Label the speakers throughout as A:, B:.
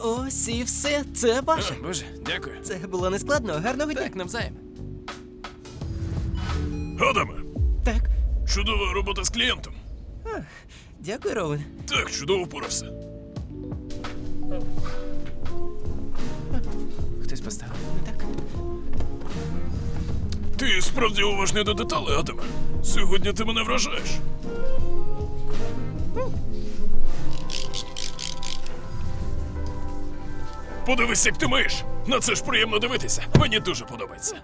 A: Ось і все, це ваше.
B: Боже, дякую.
A: Це було нескладно, гарного дня.
B: Так, навзаєм.
C: Адаме,
A: Так,
C: чудова робота з клієнтом.
A: дякую, Роуен.
C: Так, чудово впорався.
B: Хтось поставив.
A: Так.
C: Ти справді уважний до деталей, Адаме. Сьогодні ти мене вражаєш. Подивись, як ти миєш. На це ж приємно дивитися. Мені дуже подобається.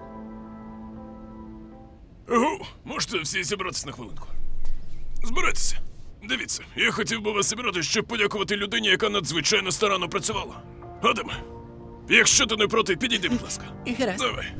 C: Ого, можете всі зібратися на хвилинку. Збирайтеся. Дивіться, я хотів би вас зібрати, щоб подякувати людині, яка надзвичайно старанно працювала. Адаме, якщо ти не проти, підійди, будь ласка.
A: І гаразд.
C: Давай.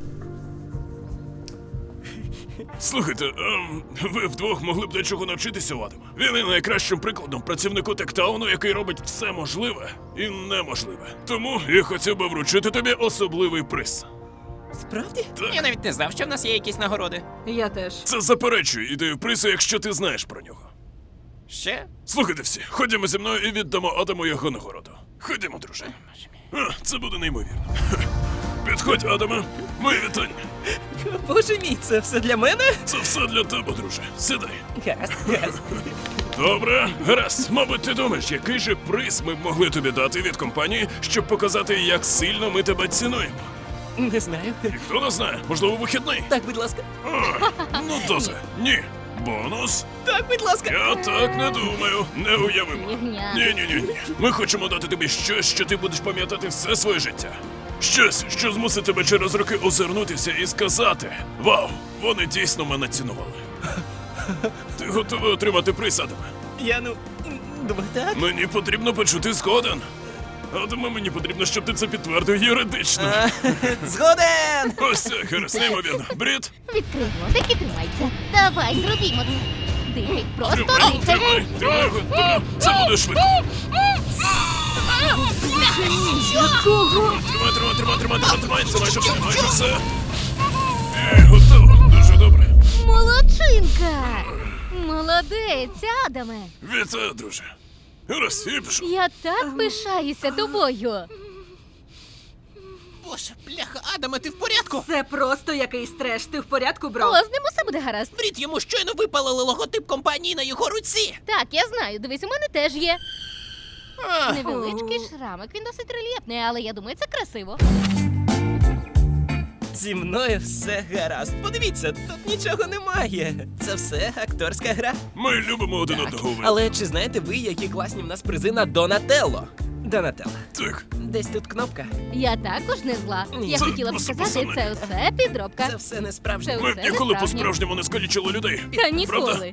C: Слухайте, ви вдвох могли б дечого навчитися у Адама. Він є найкращим прикладом працівнику Тектауну, який робить все можливе і неможливе. Тому я хотів би вручити тобі особливий приз.
A: Справді?
B: Я навіть не знав, що в нас є якісь нагороди.
D: Я теж.
C: Це заперечує ідею призу, якщо ти знаєш про нього.
B: Ще?
C: Слухайте всі, ходімо зі мною і віддамо Адаму його нагороду. Ходімо, друже. Це буде неймовірно. Підходь, Адаме. Мої вітання.
A: Боже мій, це все для мене?
C: Це все для тебе, друже. Сідай.
A: Гаразд, гаразд.
C: Добре, гаразд. Мабуть, ти думаєш, який же приз ми б могли тобі дати від компанії, щоб показати, як сильно ми тебе цінуємо.
A: Не знаю.
C: Ніхто не знає, можливо, вихідний.
A: Так, будь ласка.
C: Ну то це. Ні. Бонус?
A: Так, будь ласка.
C: Я так не думаю. Не уявимо. Ні. Ми хочемо дати тобі щось, що ти будеш пам'ятати все своє життя. Щось, що змусить тебе через роки озирнутися і сказати: вау, вони дійсно мене цінували. Ти готовий отримати приз, Адаме?
A: Я, думаю, так.
C: Мені потрібно почути згоден. Адаме, мені потрібно, щоб ти це підтвердив юридично.
A: Згоден!
C: Ось це, гаразд, неймовірно. Брід,
E: Відкрий ротик і тримайся. Давай, зробімо це. Дихай, просто
C: тримай,
E: дихай.
C: тримай його, добре. Це буде швидко.
D: Якого?
C: Тримай, це майже все. Готово, дуже добре.
E: Молодчинка! Молодець, Адаме.
C: Вітаю, друже. Гаразд, я пішов.
E: Я так пишаюся тобою.
B: Боже, бляха, Адаме, ти в порядку?
D: Це просто якийсь треш. Ти в порядку, бро?
E: О, з ним усе буде гаразд.
B: Брід, йому щойно випалили логотип компанії на його руці.
E: Так, я знаю. Дивись, у мене теж є.
B: А,
E: Невеличкий шрамик, він досить рельєфний, але я думаю, це красиво.
A: Зі мною все гаразд. Подивіться, тут нічого немає. Це все акторська гра.
C: Ми любимо один одного. ви.
A: Але чи знаєте ви, які класні в нас призи на Донателло? Донателло.
C: Так,
A: Десь тут кнопка.
E: Я також не зла.
A: Ні.
E: Я
C: Це
E: хотіла б
C: просто
E: сказати,
C: пацани.
E: це все підробка.
A: Це все не справжнє.
E: Це
C: ми б
E: все
C: ніколи
E: не справжнє.
C: по-справжньому не скалічили людей.
E: Та ніколи.